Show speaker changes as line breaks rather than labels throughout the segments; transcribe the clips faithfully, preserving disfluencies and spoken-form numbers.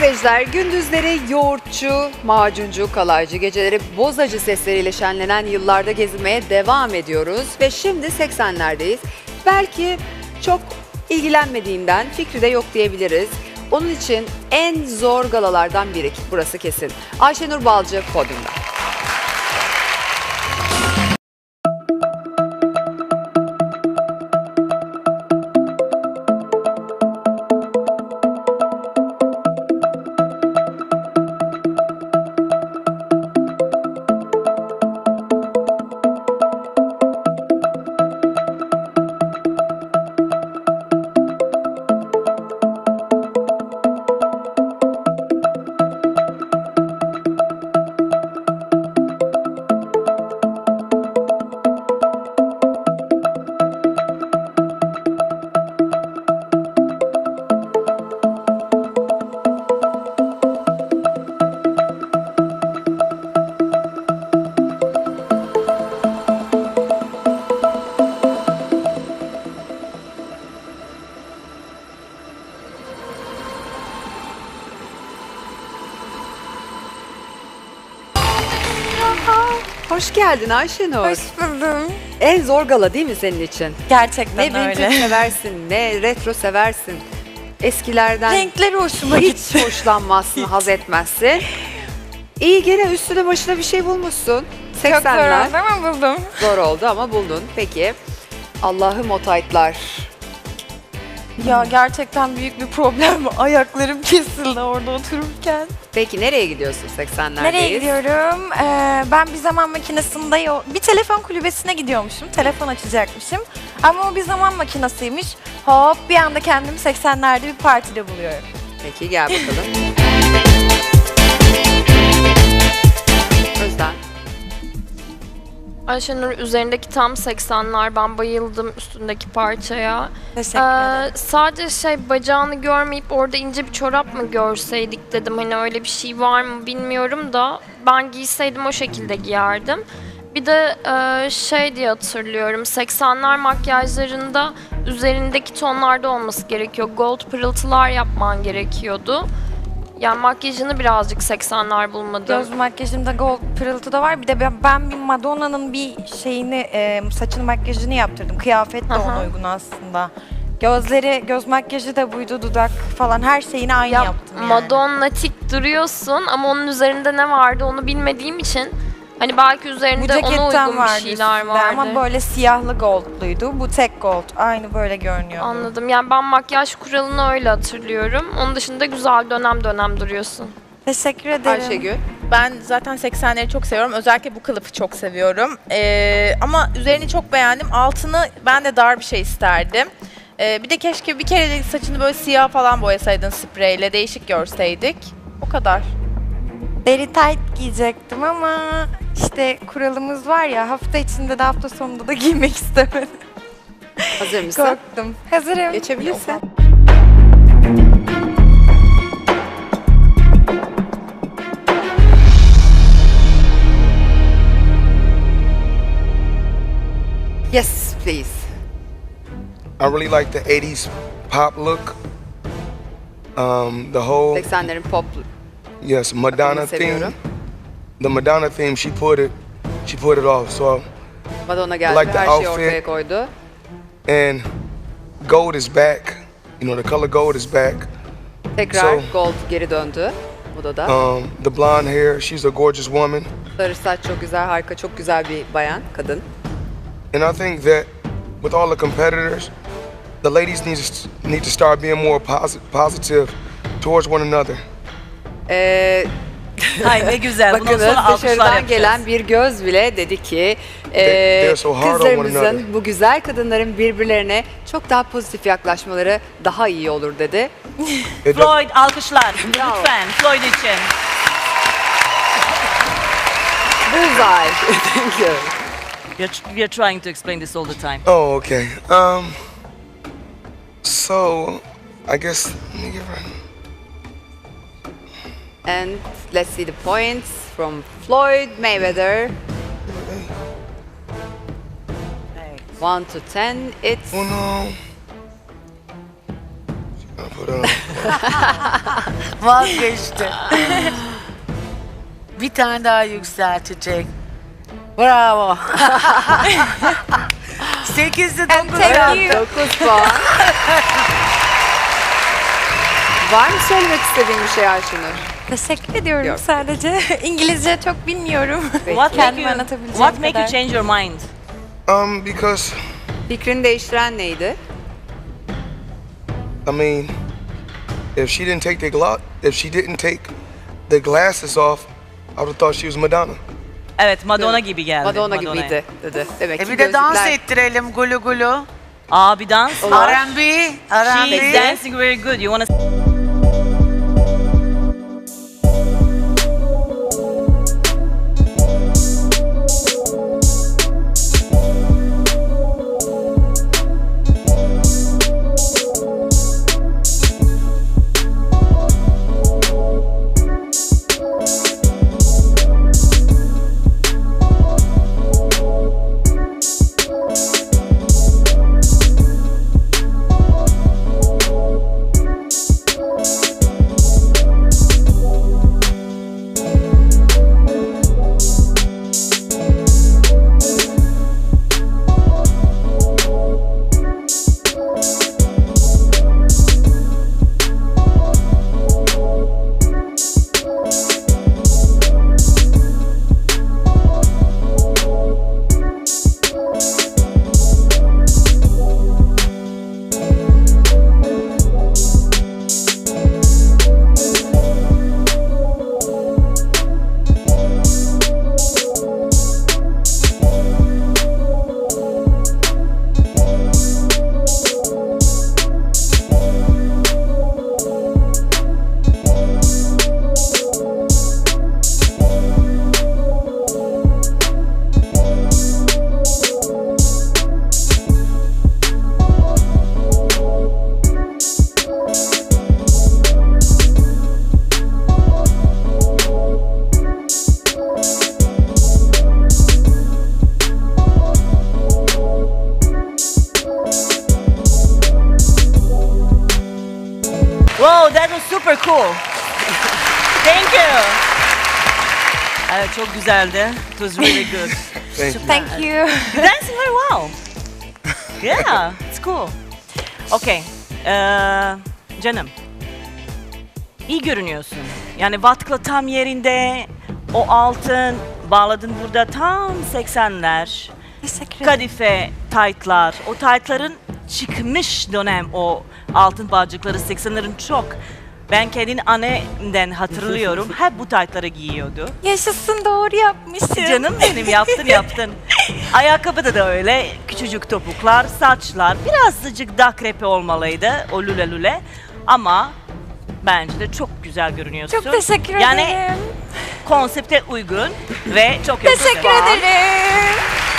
seyirciler, gündüzleri yoğurtçu, macuncu, kalaycı, geceleri bozacı sesleriyle şenlenen yıllarda gezinmeye devam ediyoruz. Ve şimdi seksenlerdeyiz. Belki çok ilgilenmediğinden fikri de yok diyebiliriz. Onun için en zor galalardan biri, burası kesin. Ayşenur Balcı podyumda. Hoş geldin Ayşenur.
Hoş buldum.
En zor gala değil mi senin için?
Gerçekten
Ne
öyle.
vintage seversin, ne retro seversin. Eskilerden
Renkleri hoşuma
hiç
gitti.
hoşlanmazsın, haz etmezsin. İyi, gene üstüne başına bir şey bulmuşsun.
Çok zor
seksenler.
oldu ama buldum.
Zor oldu ama buldun. Peki. Allah'ım o taytlar.
Ya gerçekten büyük bir problem. Ayaklarım kesildi orada otururken.
Peki nereye gidiyorsun seksenlerdeyiz?
Nereye gidiyorum? Ee, ben bir zaman makinesinde yo- bir telefon kulübesine gidiyormuşum. Telefon açacakmışım. Ama o bir zaman makinesiymiş. Hop bir anda kendimi seksenlerde bir partide buluyorum.
Peki gel bakalım. Özden.
Ayşenur, üzerindeki tam seksenler, ben bayıldım üstündeki parçaya.
Teşekkür
Ee,
ederim.
sadece şey, bacağını görmeyip orada ince bir çorap mı görseydik dedim. Hani öyle bir şey var mı bilmiyorum da ben giyseydim o şekilde giyerdim. Bir de e, şey diye hatırlıyorum, seksenler makyajlarında üzerindeki tonlarda olması gerekiyor. Gold pırıltılar yapman gerekiyordu. Yani makyajını birazcık seksenler bulmadım.
Göz makyajımda gold pırıltı da var. Bir de ben, ben bir Madonna'nın bir şeyini, e, saçını makyajını yaptırdım. Kıyafet de
Aha.
ona uygun aslında. Gözleri, göz makyajı da buydu, dudak falan her şeyini aynı
Ya,
yaptım yani.
Madonnatik duruyorsun ama onun üzerinde ne vardı onu bilmediğim için hani belki
Bu
üzerinde ona
ceketten
uygun bir
vardı
şeyler
üstünde
vardı.
ama böyle siyahlı goldluydu. Bu tek gold. Aynı böyle görünüyordu.
Anladım. Yani ben makyaj kuralını öyle hatırlıyorum. Onun dışında güzel dönem dönem duruyorsun.
Teşekkür ederim.
Ayşegül.
Ben zaten seksenleri çok seviyorum. Özellikle bu kılıfı çok seviyorum. Ee, ama üzerini çok beğendim. Altını ben de dar bir şey isterdim. Ee, bir de keşke bir kere de saçını böyle siyah falan boyasaydın spreyle. Değişik görseydik. O kadar.
Deri tight giyecektim ama işte kuralımız var ya, hafta içinde de hafta sonunda da giymek istemedim.
Hazır mısın?
Korktum. Hazırım.
Geçebilirsin. Yes, please.
I really like the eighties pop look. Um, the whole
seksenlerin pop
yes Madonna theme.
seviyorum.
The Madonna theme, she put it, she put it off. So
Madonna geldi,
Like the
her şeyi
outfit.
ortaya koydu.
and gold is back. You know the color gold is back.
Tekrar
So-
gold geri döndü modada.
Um, the blonde hair, she's a gorgeous woman,
Sarı saç çok güzel, harika, çok güzel bir bayan, kadın.
and I think that with all the competitors, the ladies need to need to start being more posi- positive towards one another.
Ee,
Ay ne güzel. Bundan
bakınız
sonra alkışlar
dışarıdan
yapacağız.
gelen bir göz bile dedi ki
They-
e,
they're so hard on one
kızlarımızın,
another.
bu güzel kadınların birbirlerine çok daha pozitif yaklaşmaları daha iyi olur dedi.
It does-
Floyd alkışlar.
Bravo.
Lütfen Floyd için.
Bullseye. Thank you.
We are, we are trying to explain this all the time.
Oh, okay. Um, so I guess let me give her.
And let's see the points from Floyd Mayweather. one to ten, it's
Uno. She gonna put it on.
Vazgeçti. Bir tane daha yükseltecek. Bravo. Sekizde dokuz.
Thank you.
dokuz puan. Var mı söylemek istediğin bir şey Ayşenur?
Teşekkür ediyorum
Yok.
sadece. İngilizce çok bilmiyorum.
Peki.
What make
Kendimi
you,
anlatabileceğim
what make you
kadar.
change your mind?
Um, because
Fikrini değiştiren neydi?
I mean, if she didn't take the gla- if she didn't take the glasses off, I would have thought she was Madonna.
Evet, Madonna gibi geldi.
Madonna
Madonna'ya.
gibiydi dedi. Demek
E
ki
bir de dans
gözlükler-
ettirelim gulu gulu.
Aa, bir dans
Olur.
var.
R and B, R and
She is
B.
dancing very good. You wanna... Wow, that was super cool. Thank you. Evet, çok güzeldi. It was really good.
Thank you.
Thank you.
You're dancing very well. Yeah, it's cool. Okay, ee, canım. İyi görünüyorsun. Yani vatkla tam yerinde, o altın bağladın burada tam seksenler.
Teşekkür ederim.
Kadife taytlar, o taytların çıkmış dönem o altın bağcıkları seksenlerin çok. Ben kendini annemden hatırlıyorum. Hep bu taytları giyiyordu.
Yaşasın, doğru yapmışım.
Canım benim, yaptın yaptın. Ayakkabıda da öyle küçücük topuklar, saçlar. Birazcık daha krepe olmalıydı o lüle lüle. Ama bence de çok güzel görünüyorsun.
Çok teşekkür
yani,
ederim.
konsepte uygun ve çok yakışıklı.
Teşekkür ederim.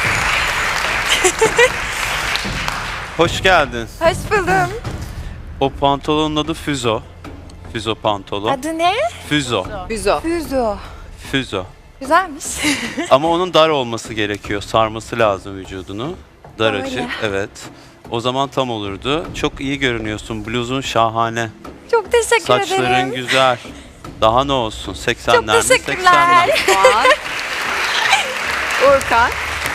Hoş geldin.
Hoş buldum.
O pantolonun adı Füzo. Füzo pantolon.
Adı ne?
Füzo.
Büzo.
Füzo.
Füzo.
Güzelmiş.
Ama onun dar olması gerekiyor. Sarması lazım vücudunu. Dar
Öyle.
açık. Evet. O zaman tam olurdu. Çok iyi görünüyorsun. Bluzun şahane.
Çok teşekkür
Saçların
ederim.
güzel. Daha ne olsun? seksenler mi?
Çok teşekkürler.
seksenler.
Puan. Urkan.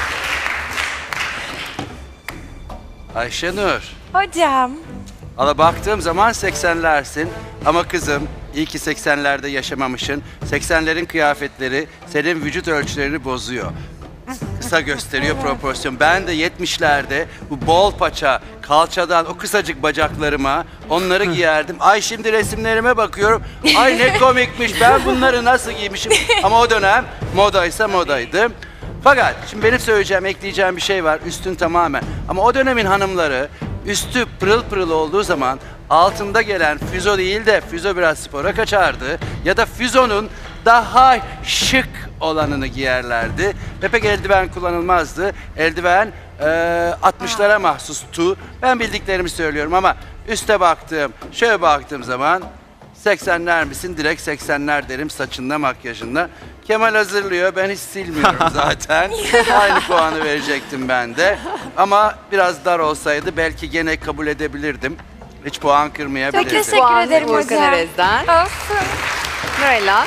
Ayşenur,
Hocam.
ala baktığım zaman seksenlersin ama kızım iyi ki seksenlerde yaşamamışsın. seksenlerin kıyafetleri senin vücut ölçülerini bozuyor. Kısa gösteriyor proporsiyon. Ben de yetmişlerde bu bol paça, kalçadan o kısacık bacaklarıma onları giyerdim. Ay şimdi resimlerime bakıyorum. Ay ne komikmiş, ben bunları nasıl giymişim. Ama o dönem modaysa modaydı. Fakat şimdi benim söyleyeceğim, ekleyeceğim bir şey var. Üstün tamamen. Ama o dönemin hanımları üstü pırıl pırıl olduğu zaman altında gelen füzo değil de füzo biraz spora kaçardı. Ya da füzonun daha şık olanını giyerlerdi. Ve pek eldiven kullanılmazdı. Eldiven e, altmışlara mahsustu. Ben bildiklerimi söylüyorum ama üste baktığım, şöyle baktığım zaman seksenler misin? Direkt seksenler derim, saçında, makyajında. Kemal hazırlıyor, ben hiç silmiyorum zaten. Aynı puanı verecektim ben de. Ama biraz dar olsaydı belki gene kabul edebilirdim. Hiç puan
Çok
kırmayabilirsin.
teşekkür
Puan
ederim
Urkan
hocam.
Erez'den.
Olsun.
Nurella.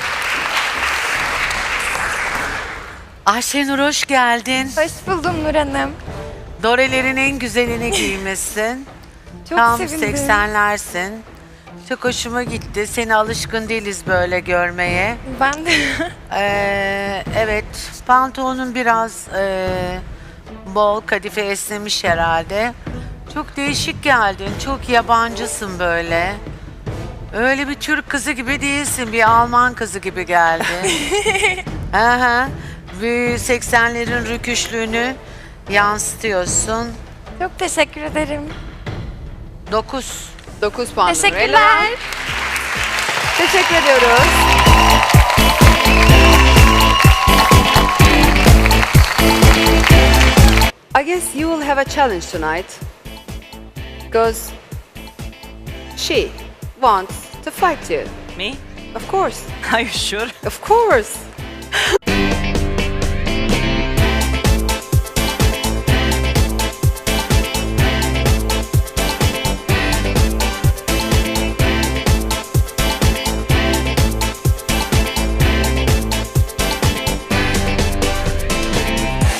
Ayşenur hoş geldin.
Hoş buldum Nur Hanım.
Dorelerin en güzelini giymişsin.
Çok
Tam
sevindim.
seksenlersin. Çok hoşuma gitti. Seni alışkın değiliz böyle görmeye.
Ben de.
Ee, evet, pantolonun biraz ee, bol, kadife esnemiş herhalde. Çok değişik geldin. Çok yabancısın böyle. Öyle bir Türk kızı gibi değilsin. Bir Alman kızı gibi geldin. Aha. Bu seksenlerin rüküşlüğünü yansıtıyorsun.
Çok teşekkür ederim.
Dokuz.
dokuz puan Nurella.
Teşekkürler.
Teşekkür ediyoruz. I guess you will have a challenge tonight. Because she wants to fight you.
Me?
Of course.
Are you sure?
Of course.